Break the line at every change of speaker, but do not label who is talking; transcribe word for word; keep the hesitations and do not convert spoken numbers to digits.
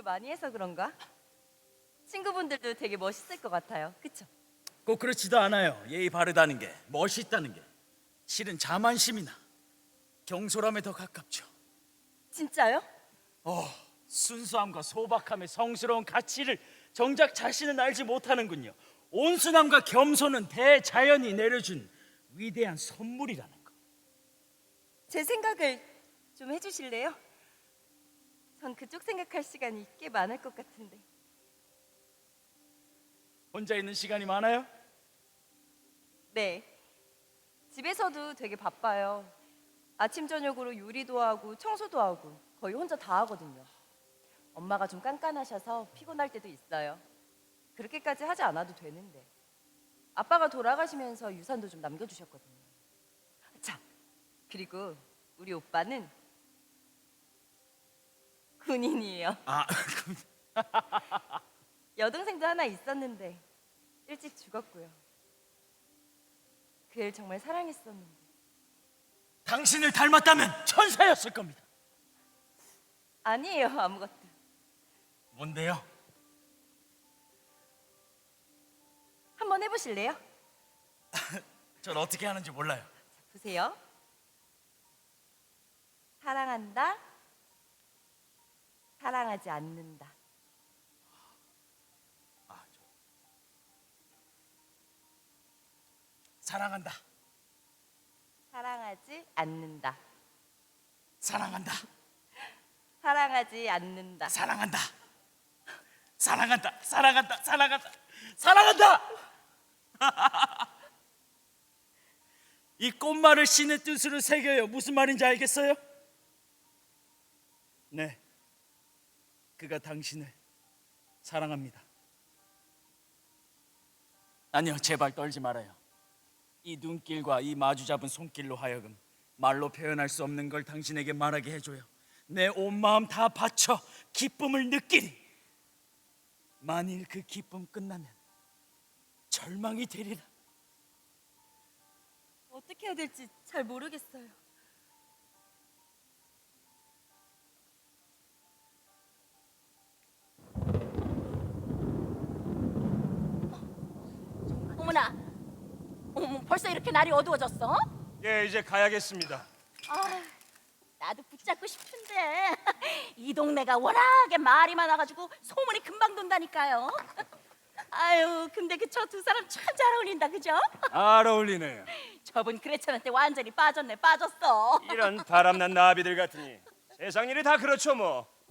공부를 많이 해서 그런가? 친구분들도 되게 멋있을 것 같아요. 그쵸?
꼭 그렇지도 않아요. 예의 바르다는 게, 멋있다는 게 실은 자만심이나 경솔함에 더 가깝죠.
진짜요?
어, 순수함과 소박함의 성스러운 가치를 정작 자신은 알지 못하는군요. 온순함과 겸손은 대자연이 내려준 위대한 선물이라는 거.
제 생각을 좀 해주실래요? 전 그쪽 생각할 시간이 꽤 많을 것 같은데.
혼자 있는 시간이 많아요?
네. 집에서도 되게 바빠요. 아침 저녁으로 요리도 하고 청소도 하고 거의 혼자 다 하거든요. 엄마가 좀 깐깐하셔서 피곤할 때도 있어요. 그렇게까지 하지 않아도 되는데. 아빠가 돌아가시면서 유산도 좀 남겨주셨거든요. 자, 그리고 우리 오빠는 군인이에요.
아,
여동생도 하나 있었는데 일찍 죽었고요. 그 애 정말 사랑했었는데.
당신을 닮았다면 천사였을 겁니다.
아니에요, 아무것도.
뭔데요?
한번 해보실래요?
전 어떻게 하는지 몰라요.
자, 보세요. 사랑한다, 사랑하지 않는다.
아, 저... 사랑한다.
사랑하지 않는다.
사랑한다.
사랑하지 않는다.
사랑한다. 사랑한다. 사랑한다. 사랑한다. 사랑한다. 이 꽃말을 신의 뜻으로 새겨요. 무슨 말인지 알겠어요? 네. 그가 당신을 사랑합니다. 아니요, 제발 떨지 말아요. 이 눈길과 이 마주 잡은 손길로 하여금 말로 표현할 수 없는 걸 당신에게 말하게 해줘요. 내 온 마음 다 바쳐 기쁨을 느끼리. 만일 그 기쁨 끝나면 절망이 되리라.
어떻게 해야 될지 잘 모르겠어요.
어머나, 어머, 벌써 이렇게 날이 어두워졌어?
예, 이제 가야겠습니다.
아, 나도 붙잡고 싶은데 이 동네가 워낙에 말이 많아가지고 소문이 금방 돈다니까요. 아유, 근데 그 저 두 사람 참 잘 어울린다, 그죠?
잘 어울리네요.
저분 그레천한테 완전히 빠졌네, 빠졌어.
이런 바람난 나비들 같으니 세상 일이 다 그렇죠 뭐.